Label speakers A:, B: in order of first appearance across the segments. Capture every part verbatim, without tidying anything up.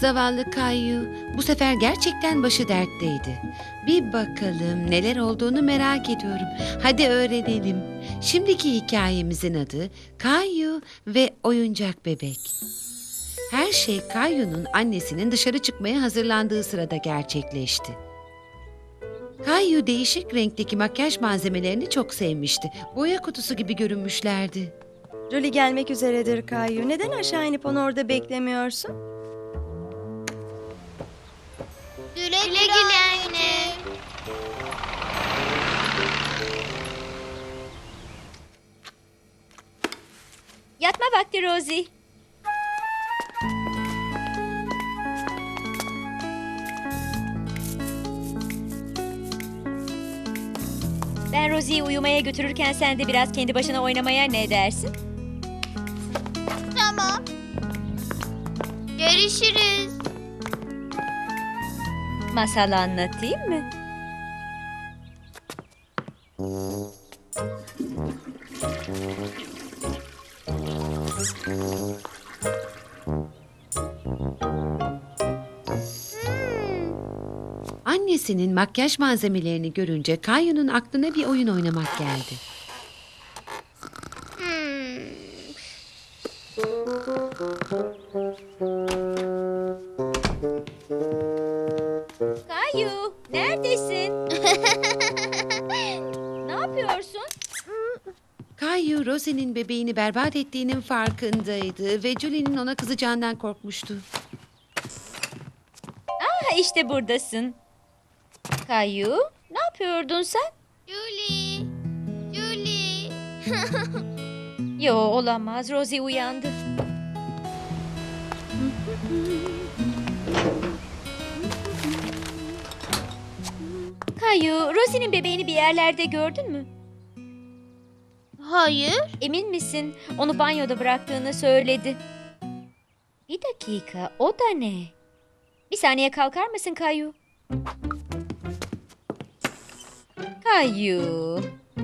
A: Zavallı Kayu bu sefer gerçekten başı dertteydi. Bir bakalım neler olduğunu merak ediyorum. Hadi öğrenelim. Şimdiki hikayemizin adı Kayu ve Oyuncak Bebek. Her şey Kayu'nun annesinin dışarı çıkmaya hazırlandığı sırada gerçekleşti. Kayu değişik renkteki makyaj malzemelerini çok sevmişti. Boya kutusu gibi görünmüşlerdi.
B: Julie gelmek üzeredir Kayu. Neden aşağı inip onu orada beklemiyorsun?
C: Güle güle anne.
D: Yatma vakti Rosie. Ben Rosie'yi uyumaya götürürken sen de biraz kendi başına oynamaya ne dersin?
C: Tamam. Görüşürüz.
D: Masal anlatayım mı?
A: Annesinin makyaj malzemelerini görünce Kayu'nun aklına bir oyun oynamak geldi.
C: Hmm.
D: Kayu, neredesin? Ne yapıyorsun?
A: Kayu, Rosie'nin bebeğini berbat ettiğinin farkındaydı ve Julie'nin ona kızacağından korkmuştu.
D: Ha, işte buradasın. Kayu, ne yapıyordun sen?
C: Julie. Julie.
D: Yo, olamaz. Rosie uyandı. Kayu, Rosie'nin bebeğini bir yerlerde gördün mü?
C: Hayır.
D: Emin misin? Onu banyoda bıraktığını söyledi. Bir dakika, o da ne? Bir saniye kalkar mısın Kayu? Kayu.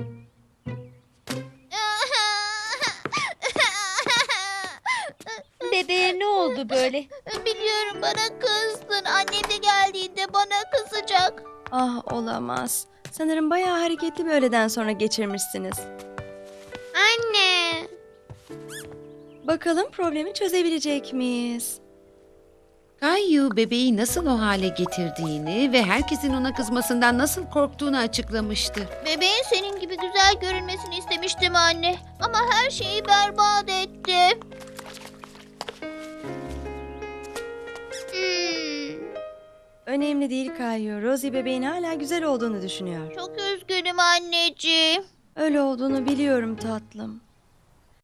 D: Bebeğe ne oldu böyle?
C: Biliyorum, bana kızdın. Annem de geldiğinde bana kızacak.
B: Ah, olamaz. Sanırım bayağı hareketli bir öğleden sonra geçirmişsiniz.
C: Anne.
B: Bakalım problemi çözebilecek miyiz?
A: Kayu bebeği nasıl o hale getirdiğini ve herkesin ona kızmasından nasıl korktuğunu açıklamıştı.
C: Bebeğin senin gibi güzel görünmesini istemiştim anne. Ama her şeyi berbat etti. Hmm,
B: Önemli değil Kayu. Rosie bebeğin hala güzel olduğunu düşünüyor.
C: çok üzgünüm anneciğim.
B: Öyle olduğunu biliyorum tatlım.